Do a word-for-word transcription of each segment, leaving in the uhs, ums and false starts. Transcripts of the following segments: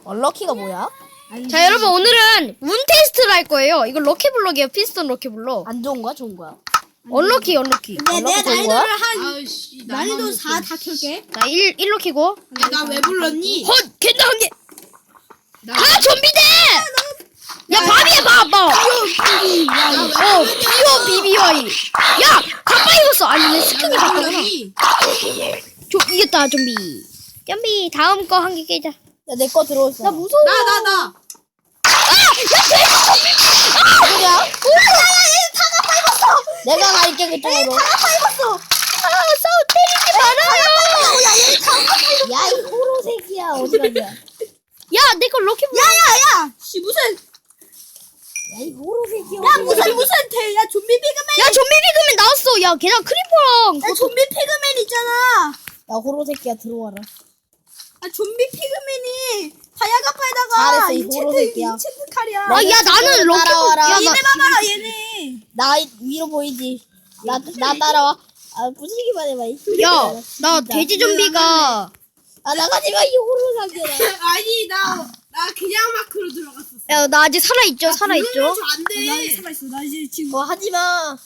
얼럭키가 뭐야? 자, 여러분, 오늘은 운 테스트를 할 거예요. 이거 럭키블럭이에요. 피스톤 럭키블럭. 안 좋은 거야? 좋은 거야? 얼럭키, 얼럭키. 네, 내가 얼럭키 좋은 거야? 난이도를 한 아이씨 난이도 사 다 켤게. 자, 일, 일로 키고. 나 왜 불렀니? 헛! 캔다 한 개! 나 아, 좀비대! 야, 밥이야, 밥, 밥! 어, 비오, 비비와이. 야! 가빠 입었어! 아니, 내 스킨이 왜 바뀌었구나. 불렀니? 좀, 이겼다, 좀비. 좀비, 다음 거 한 개 깨자. 야, 내 거 들어오있어. 나 무서워. 나 나 나. 누구야? 내가 갈게, 그쪽으로. 아, 싸워, 때리지 말아요! 야, 이 호로 새끼야. 어디 가냐? 야, 야, 내 거 럭키블럭. 야야야! 씨 무슨 이 호로 새끼야. 야 무슨 무슨 대? 야 좀비 피그맨. 야, 좀비 비그맨 나왔어. 야, 걔랑 크리퍼랑. 야 좀비 피그맨 있잖아. 야, 호로 새끼야, 들어와라. 아 좀비 피그맨이 다이아가파에다가 잘했어, 이 호로 새끼야. 인챈트 칼이야. 아, 야, 나는 럭키블럭. 따라와라. 야, 나, 얘네 봐봐라 얘네. 나 위로 보이지? 나, 나 따라와. 아, 부수기만 해봐. 이 야, 나 진짜. 돼지 좀비가. 아, 나가지 마, 이 호로 새끼야. 아니 나 나 그냥 마크로 들어갔었어. 야, 나 아직 살아있죠? 살아있죠? 그러면서 안 나 돼. 이제 살아있어. 나 이제 지금 뭐 하지 마.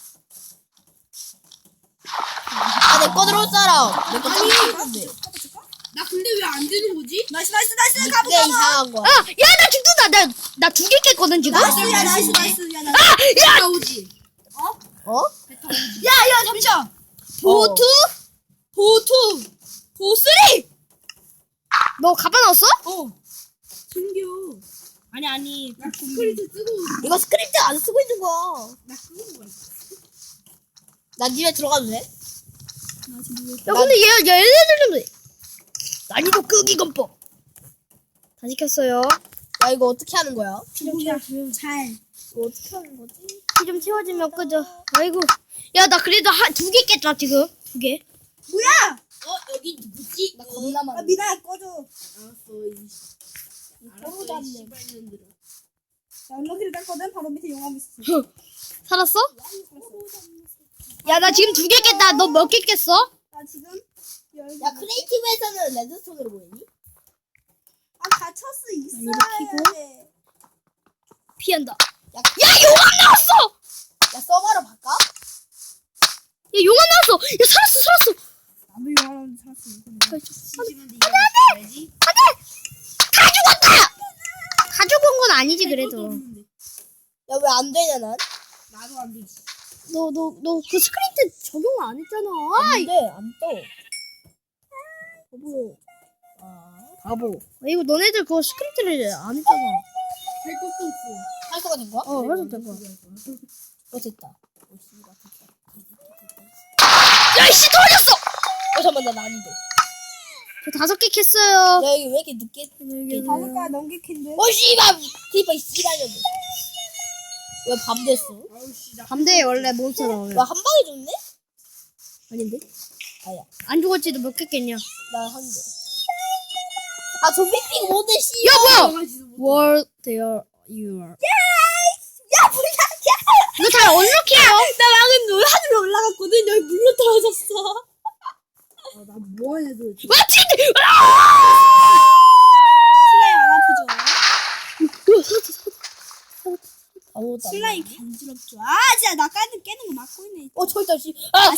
아, 내 거 들어올 사람. 내거 들어올건데. 나 근데 왜 안 되는 거지? 나이스 나이스 나이스 가보 이게 가보. 이상한 거야. 아, 야, 나 죽는다. 나, 나 두 개 깼거든, 지금? 나이스 야 나이스 나이스 야 나. 아, 야! 나오지. 어? 야야 잠시만. 보투? 보투 보쓰리. 너 가방 넣었어? 어. 숨겨. 아니 아니. 나 스크립트 쓰고 이거 스크립트 안 쓰고 있는 거. 나 쓰고 거야. 나 집에 들어가도 돼? 나 지금 야, 근데 얘, 얘, 얘네들은 난이도 끄기 건법. 다 시켰어요. 야, 이거 어떻게 하는 거야? 뭐야 잘. 이거 어떻게 하는 거지? 피 좀 채워지면 끄죠. 아이고. 야, 나 그래도 한, 두 개 깼다, 지금. 두 개. 뭐야? 어 여기 누구지? 나 겁나 아 많아. 미나야 꺼줘. 알았어. 이 서로 알았어. 닿네. 이 씨발년들아. 나 얼럭키를 땄거든. 바로 밑에 용암 있었어. 살았어? 야, 나 지금 두 개 깼다. 너 몇 개 깼어? 나 지금 야, 크리에이티브에서는 레드스톤으로 보이니? 아 갇혔어 있어야 키고. 돼. 피한다. 야, 야, 용암 나왔어! 야, 서버로 바꿔? 야, 용암 나왔어! 야, 살았어, 살았어! 나도 용암 살았어. 심심한데 이거 해야지. 다 죽었다! 다 죽은 건 아니지, 그래도. 야, 왜 안 되냐, 난? 나도 안 되지. 너, 너, 너 그 스크립트 적용 안 했잖아. 안 돼, 안 떠. 바보. 아, 바보. 이거 너네들 그거 스크립트를 안 했잖아. 할 것도 없어. 활성화 된 거야? 어, 해도 될 거야. 어, 됐다. 어, 씨발, 됐다. 야, 이씨, 터졌어! 어, 잠깐만, 나 난이도. 저 다섯 개 캤어요. 야, 여기 왜 이렇게 늦게? 다섯 가 넘게 캔데. 어, 씨발! 크리퍼, 이 씨발년들. 왜 밤 됐어? 아우 씨 나. 밤대 원래 몬스터 나오면. 와, 한 방에 죽네? 아닌데? 아야, 안 죽었지도 몇 개 깼냐? 나 한 대. 아, 좀비핑 뭔데, 씨. 야, 뭐야! 나가지도 못. World there you are. 야 뭐야? 이거 다 언럭키예요. 나 방금 노 하늘로 올라갔거든. 여기 물로 떨어졌어. 나 뭐하냐 도대체. 와, 진짜! 슬라임 안 아프죠? 아무것도 안 슬라임 돼. 간지럽죠. 아 진짜 나 까는 깨는 거 막고 있네. 어, 저기 있다, 씨. 아, 아!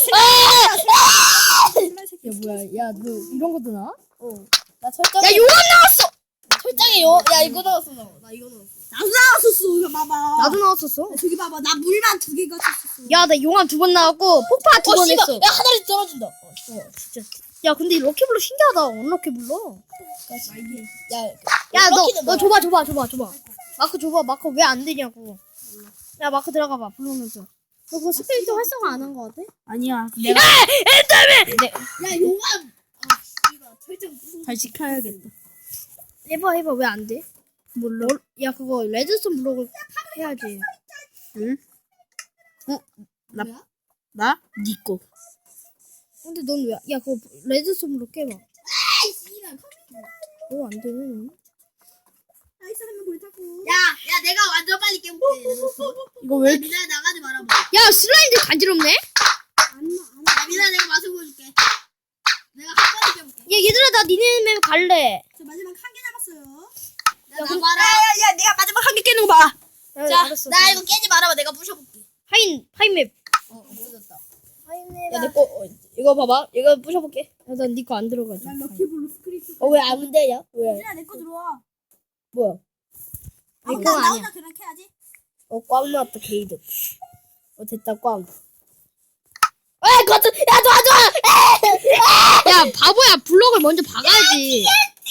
슬라임 새끼. 야, 뭐야. 야, 너 이런 것도 나? 어. 나 철장에, 야, 용암 나왔어! 철장에 요, 야, 이거 넣었어, 너. 나 이거 넣었어. 나도 나왔었어. 이거 봐봐. 나도 나왔었어. 저기 봐봐. 나 물만 두 개가 쳤었어. 야, 나 용암 두 번 나왔고, 폭파 두 어, 번 씨발. 했어. 야, 하나씩 떨어진다. 어, 씨. 어, 진짜. 야, 근데 이 럭키블럭 신기하다. 언럭키블럭. 야, 야, 너, 럭키는 너 뭐야? 줘봐, 줘봐, 줘봐, 줘봐. 마크 줘봐. 마크 왜 안 되냐고. 야, 마크 들어가봐. 불러면서. 너 그거 스크립트 활성화 안 한 거 같아? 아니야. 내가 야, 용암. 아, 씨발. 철장 무슨. 잘 지켜야겠다. 해봐, 해봐. 왜 안 돼? 몰라. 야, 그거 레드스톤 블록을 해야지. 응? 어? 나, 뭐야? 나? 니 거. 근데 넌 왜, 야, 그거 레드스톤 블록 깨봐. 아이, 씨발. 어, 안 되네, 넌. 나이스 하면 불타고. 야, 야, 내가 완전 빨리 깨볼게. 이거 왜, 미나야, 나가지 말아봐. 야, 슬라임들 간지럽네? 야, 미나야, 내가 맛을 보여줄게. 내가 한 번에 깨볼게. 야, 얘들아, 나 니네 맵 갈래. 저 마지막 한 개 남았어요. 나봐라. 야야 내가 마지막 한 개 깨는 거 봐. 야, 자, 알았어. 나 이거 깨지 말아봐. 내가 부셔볼게. 파인 파인맵. 어, 부셨다. 파인맵. 야, 내 거, 어, 이거 봐봐. 이거 부셔볼게. 야난 네 거 안 들어가지. 난 럭키블루 스크립트. 어, 왜 안 되냐? 왜? 야 내 거 들어와. 뭐야? 아니, 나 그건 나 아니야. 혼자 그냥 캐야지. 어, 꽝 나왔다, 게이드. 어, 됐다, 꽝. 에, 거트, 야, 도와줘! 야 바보야 블록을 먼저 박아야지.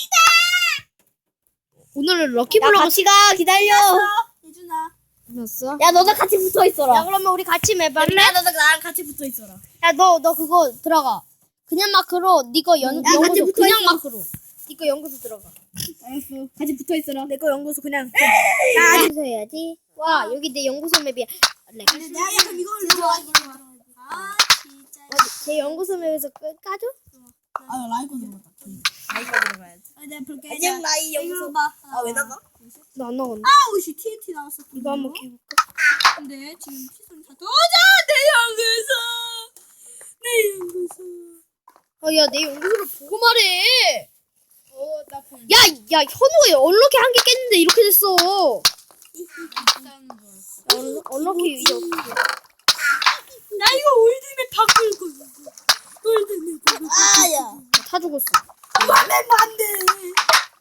오늘은 야, 럭키블록 같이 가, 기다려. 예준아. 났어. 야, 너도 같이 붙어 있어라. 야 그러면 우리 같이 맵 할래? 야, 너도 나랑 같이 붙어 있어라. 야 너 너 그거 들어가. 그냥 마크로 니거 연 야, 같이 연구소 붙어 그냥 있어. 마크로. 니거 연구소 들어가. 알았어. 같이 붙어 있어라. 내 거 연구소 그냥. 나 연구소 해야지. 와 여기 내 연구소 맵이야. 렉. 근데 내가 약간 이걸 들어가긴 해. 아 진짜. 어디 제 연구소 맵에서 끝 까줘? 아, 라이코 들어갔다. 라이코 들어가야지. 아 내가 볼게. 안녕, 라이 연구소. 봐. 아, 왜 나가? 나 안 나갔네. 아우 씨 티엔티 나왔어. 이거 한번 해볼까? 근데 지금 시선이 다 도저 내 연구소. 내 연구소. 아야 내 연구소를 보고 말해. 어나 본. 야야 현우가 얼럭키 한 개 깼는데 이렇게 됐어. 있다는 줄 알았어. 얼, 얼럭키 이제 어떻게? 나 이거 올드맨 바꿀 거야. 올드맨 바꿀 거야. 아, 야. 다 죽었어. 와면 안 돼.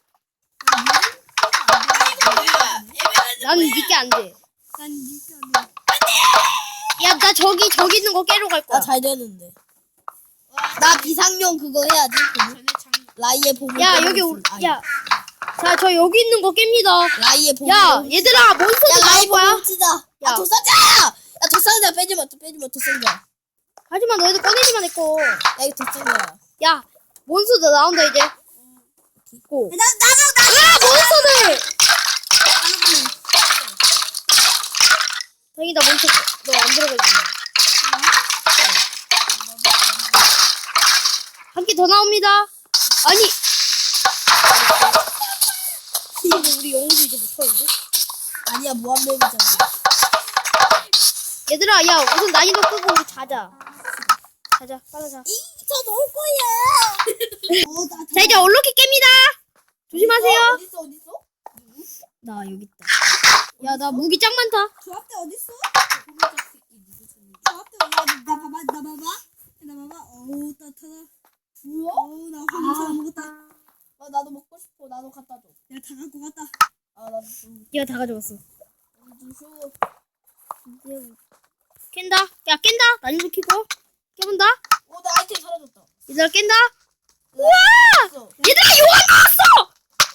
나는 니게 안 돼. 난 이게 안 돼. 야 나 저기 저기 있는 거 깨러 갈 거야. 나 잘 되는데. 나 비상용 그거 해야지. 그거. 전에 장. 라이의 보물. 야 여기 올, 야. 자 저 여기 있는 거 깹니다. 라이의 보물. 야 얘들아 몬스터 야, 라이 나올 거야. 보물 치자. 야, 야. 도상자! 야, 도상자 빼지 마, 빼지 마, 도상자. 하지만 너희들 꺼내지만 했고. 야, 이거 도상자야. 야 몬스터 나온다 이제. 고. 나 나도 나. 아 몬스터들. 다행이다 몬스터 너 안 들어가지. 한 개 더 나옵니다. 아니. 근데 우리 영웅도 이제 못하는데? 아니야, 무한맵이잖아. 얘들아 야 우선 난이도 끄고 우리 자자. 자자 빨리 자. 이저 넣을 거야. 어, 나 자 이제 얼룩이 깹니다. 조심하세요. 어딨어, 어딨어? 나 여기 있다. 야 나 무기 짱 많다. 조합대 어디 있어? 조합대 어디? 나 봐봐, 나 봐봐, 나 봐봐. 어우 따뜻하다. 뭐야? 어우 나 황사 먹었다. 아, 나도 먹고 싶어. 나도 갖다 줘. 내가 다 갖고 갔다. 아, 나도 좀, 얘가 다 가져왔어. 좀 쉬워. 깬다. 야 깬다. 난이도 키고 깨본다. 어, 나 아이템 사라졌다. 얘들아 깬다. 우와! 얘들아 용암 나왔어.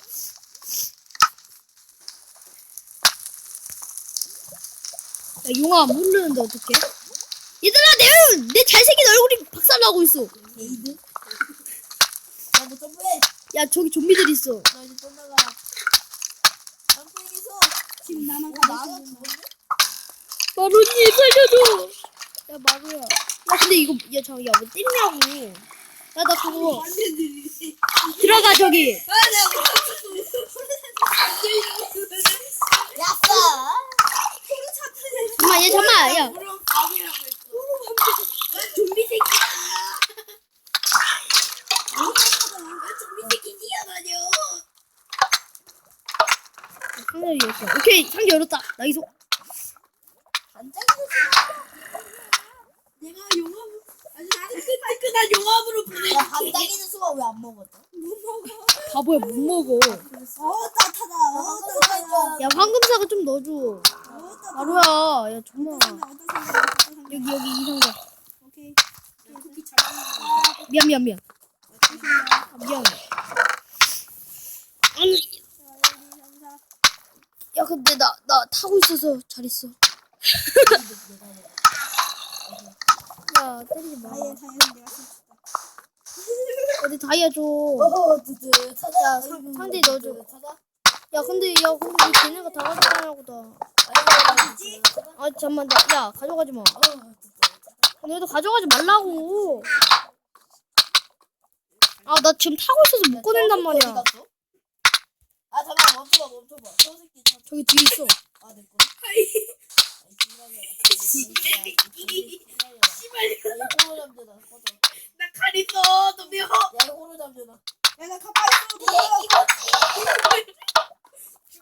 야 용암 모르는데 어떡해? 얘들아 내, 내 잘생긴 얼굴이 박살나고 있어. 게이드? 나도 점프해. 야 저기 좀비들 있어. 나 이제 떠나가. 점프해서. 지금 나만 어, 가고 나가 있는 죽었네? 마루니 살려줘. 야 마루야. 야 근데 이거 야 잠깐 야왜 때리냐고. 야 나 그거 들어가 저기. 야싸! 잠만 얘 잠만 야. 좀비 새끼야. 좀비 새끼 뛰어다녀. 상자 열었어. 오케이 상자 열었다. 나이소. 반짝이도 내가 용암 아주 따끈따끈한 용암으로 보내. 야, 반짝이는 수가 왜 안 먹었어? 못 먹어. 바보야 못 먹어. 어 따뜻하다. 어 따뜻하다. 야 황금사과 좀 넣어줘. 어 따뜻하다. 마루야. 야 정말. 어떤 상자, 어떤 상자, 어떤 상자. 여기 여기 이 상자. 오케이. 쿠키 잡았는데. 미안 미안 미안. 아, 미안. 아니 상자. 야 근데 나 나 타고 있어서 잘했어. 야 때리지 마. 다이아 다이아 내가 샀다. 어디 다이아 줘. 어, 드드. 찾아. 야, 상- 상자에 넣어줘. 찾아. 야 근데 야 근데 왜 걔네가 다 가져가냐고 다. 아니, 찾아. 아 잠만 나, 야 가져가지 마. 어, 드드. 너희도 가져가지 말라고. 아 나 지금 타고 있어서 못 꺼낸단 어디 말이야. 갔어? 아, 잠깐 멈춰봐, 멈춰봐. 저 새끼 참. 저기 뒤에 있어. 아, 내 거. 씨발. 이 호로 잠재다. 꺼져. 나 칼 있어. 덤벼. 야, 이 호로 잠재다. 야나 가빠 있어. 덤벼.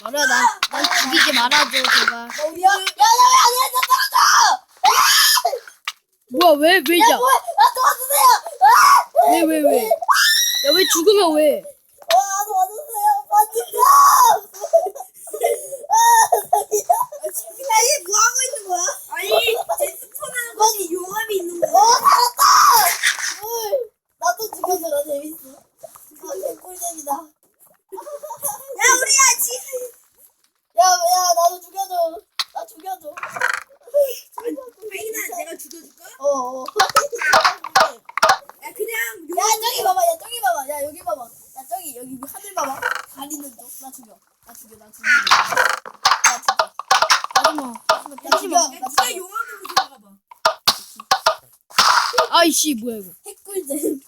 마루야, 난, 난 죽이지 말아줘, 제발. 어디야? 야, 야, 왜 안 해? 나 떨어져! 뭐야, 왜, 왜냐? 야, 뭐야? 나 도와주세요! 아! 왜, 왜, 왜? 야, 왜 죽으면 왜? 와, 도와주세요! 반지점! 아, 야, 얘 뭐 하고 있는 거야? 아니, 제 스폰하는 것이 용암이 있는 거야. 어, 살았다! 물! 나도 죽여줘라, 재밌어. 아, 개꿀잼이다. 야, 우리야, 지. 야, 야, 나도 죽여줘. 나 죽여줘. 아이나, 내가 죽여줄까? 어, 어. 야, 그냥. 야, 저기 봐봐, 야, 저기 봐봐, 야, 여기 봐봐. 야, 저기, 여기 하늘 봐봐. 가리는 쪽. 나 죽여. 나 죽여, 나 죽여. 나 죽여. 하지마. 나 죽여. 야, 나 네가 죽여. 용암으로 들어가 봐. 아이씨, 뭐야, 이거. 핵꿀잼.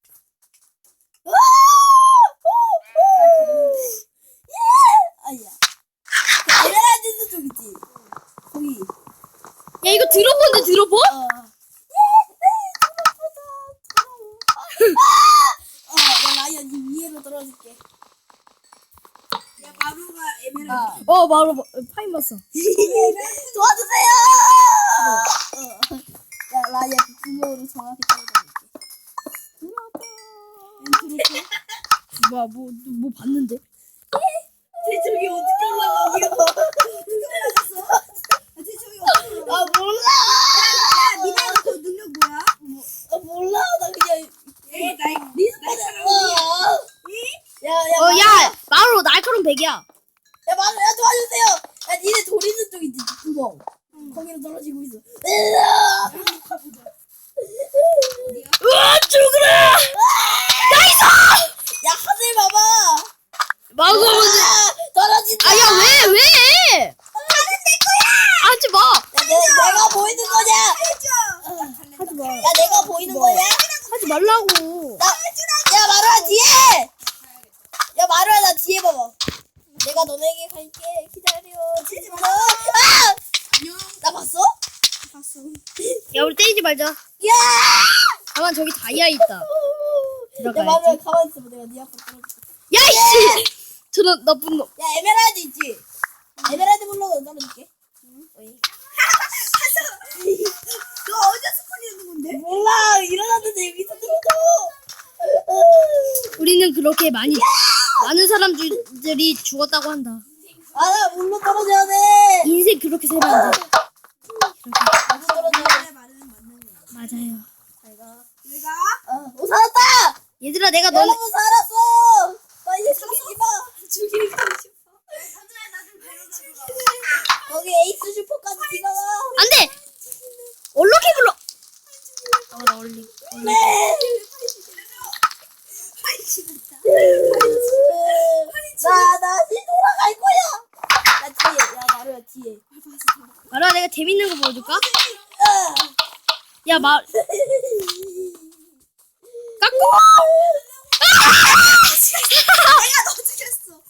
아야. 에메랄드 쪽 있지? 거기. 야, 이거 들어보는데 들어보? 어. 어, 야, 라이언, 이 위에로 떨어질게. 야, 마루가 에메랄드. 아. 어, 바로, 파인 봤어. 도와주세요! 어. 야, 라이언, 구멍으로 정확히 떨어져볼게. 뭐야, 뭐, 뭐 봤는데? 쟤 저기 어떻게 올라가? 어떻게 올라갔어? 야, 쟤 저기 어떻게 올라가? 아, 몰라! 야, 니네 그 능력 뭐야? 아, 몰라. 나 그냥. 얘, 나, 날 어. 야, 야, 어, 야, 마루 날카로운 백이야. 야, 마루, 야, 도와주세요! 야, 니네 돌 있는 쪽 있지, 구멍. 거기로 떨어지고 있어. 으아! 으아, 죽으라! 야, 하늘 봐봐! 마루 아, 떨어진다! 아, 야, 왜, 왜? 하지 마. 야, 내, 내가 보이는 거냐? 하지 마. 야, 내가 보이는 거냐? 하지 말라고. 나, 야, 마루야, 뒤에! 야, 마루야, 나 뒤에 봐봐. 내가 너네에게 갈게. 기다려. 치지 마. 아! 나 봤어? 봤어. 야, 우리 때리지 말자. 야! 가만, 저기 다이아 있다. 야, 들어가야지. 마루야, 가만히 있어봐. 내가 네 앞으로 떨어질게. 야, 이씨! 저런 나쁜 놈. 야, 에메랄드 있지? 에메랄드 블록으로 떨어질게. 어이. 너 어제 스폰이었는 건데? 몰라, 일어났는데 여기서 들어줘. 우리는 그렇게 많이, 많은 사람들이 죽었다고 한다. 아, 나 물로 떨어져야 돼. 인생 그렇게 살면 안 돼. 물로 떨어져야 돼. 내 말은 맞는 거야. 맞아요. 잘 가. 내가 어, 오, 살았다! 얘들아, 내가 넌, 여러분, 살았어! 나 이제 죽이지 마. 죽이고 싶어. 사주야, 나좀 데려다 줘. 거기 에이스 슈퍼까지 비가가. 안 돼! 얼룩이 불러! 어, 나 얼리. 네! 나 다시 돌아갈 거야. 나 뒤에, 야, 마루야, 뒤에. 마루야, 내가 재밌는 거 보여줄까? 아. 야, 마, 깎고! 내가 너 죽였어.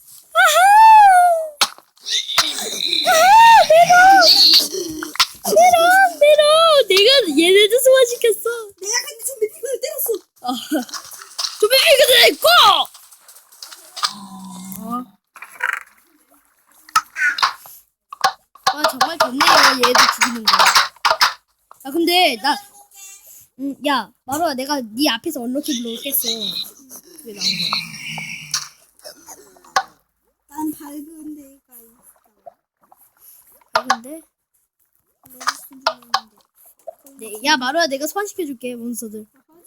메롱, 메롱! 내가 얘네들 소화시켰어. 내가 근데 좀비 피그를 때렸어. 어. 좀비 피그들 있고! 어. 아, 정말 좋네요, 얘들 죽이는 거. 아, 근데, 나, 음, 야, 마루야, 내가 네 앞에서 언럭키 블로우 깼어. 그게 나온 거야. 난 밝은 데가 있어. 아, 근데? 레드스톤 좀 있는데. 네, 야, 마루야, 내가 소환시켜줄게, 몬스터들.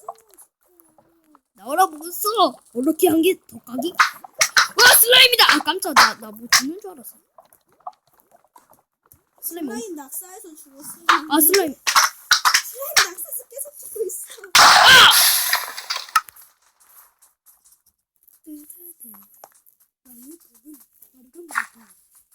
나오라, 몬스터! 언럭키 한 개 더 까기? 와, 슬라임이다! 아, 깜짝, 나, 나 뭐 죽는 줄 알았어. 슬라임, 어디- 슬라임 낙사해서 죽었어. 아, 슬라임. 슬라임 낙사해서 계속